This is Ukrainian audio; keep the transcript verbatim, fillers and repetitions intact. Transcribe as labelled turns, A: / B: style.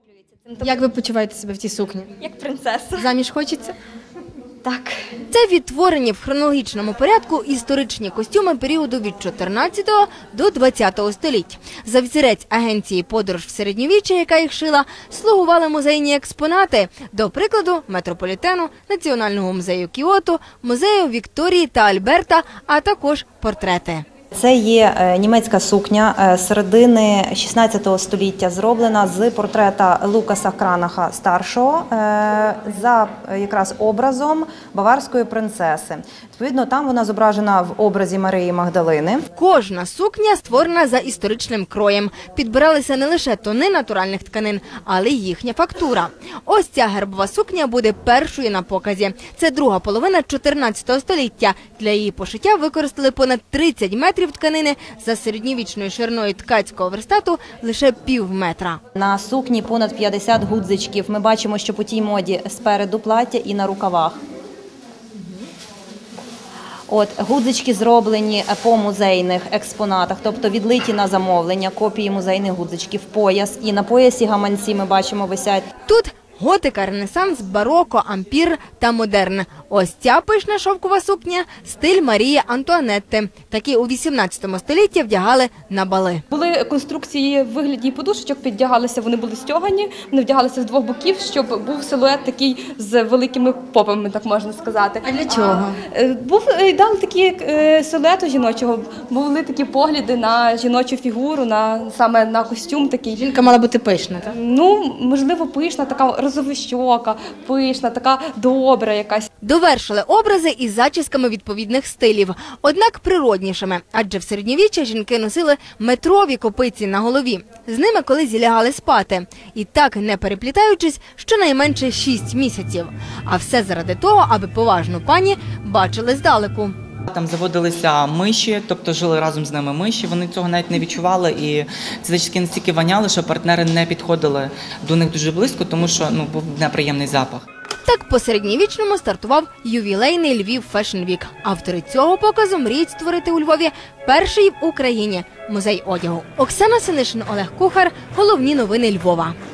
A: Як ви почуваєте себе в цій сукні?
B: Як принцеса.
A: Заміж хочеться?
B: Так.
C: Це відтворені в хронологічному порядку історичні костюми періоду від чотирнадцятого до двадцятого століть. За взірець агенції «Подорож в середньовіччя», яка їх шила, слугували музейні експонати. До прикладу, Метрополітену, Національного музею Кіото, музею Вікторії та Альберта, а також портрети.
D: Це є німецька сукня середини шістнадцятого століття, зроблена з портрета Лукаса Кранаха старшого за якраз образом баварської принцеси. Відповідно, там вона зображена в образі Марії Магдалини.
C: Кожна сукня створена за історичним кроєм. Підбиралися не лише тони натуральних тканин, але й їхня фактура. Ось ця гербова сукня буде першою на показі. Це друга половина чотирнадцятого століття. Для її пошиття використали понад тридцять метрів тканини, за середньовічною шириною ткацького верстату лише пів метра.
D: На сукні понад п'ятдесят гудзичків. Ми бачимо, що по тій моді спереду плаття і на рукавах. От, гудзички зроблені по музейних експонатах, тобто відлиті на замовлення, копії музейних гудзичків, пояс. І на поясі гаманці ми бачимо висять.
C: Тут готика, ренесанс, бароко, ампір та модерн. Ось ця пишна шовкова сукня – стиль Марії Антуанетти. Такі у вісімнадцятому столітті вдягали на бали.
B: Були конструкції в вигляді подушечок, піддягалися, вони були стягані, вони вдягалися з двох боків, щоб був силует такий з великими попами, так можна сказати.
A: А для чого?
B: А, був ідеал такий силуету жіночого, були такі погляди на жіночу фігуру, на саме на костюм такий.
A: Жінка мала бути пишна, так?
B: Ну, можливо, пишна, така розовощока, пишна, така добра якась.
C: Довершили образи із зачісками відповідних стилів, однак природнішими, адже в середньовіччя жінки носили метрові копиці на голові. З ними колись лягали спати. І так, не переплітаючись, щонайменше шість місяців. А все заради того, аби поважну пані бачили здалеку.
E: Там заводилися миші, тобто жили разом з ними миші, вони цього навіть не відчували, і ці зачіски настільки воняли, що партнери не підходили до них дуже близько, тому що ну, був неприємний запах.
C: Так по середньовічному стартував ювілейний Львів Фешн Вік. Автори цього показу мріють створити у Львові перший в Україні музей одягу. Оксана Синишин, Олег Кухар. Головні новини Львова.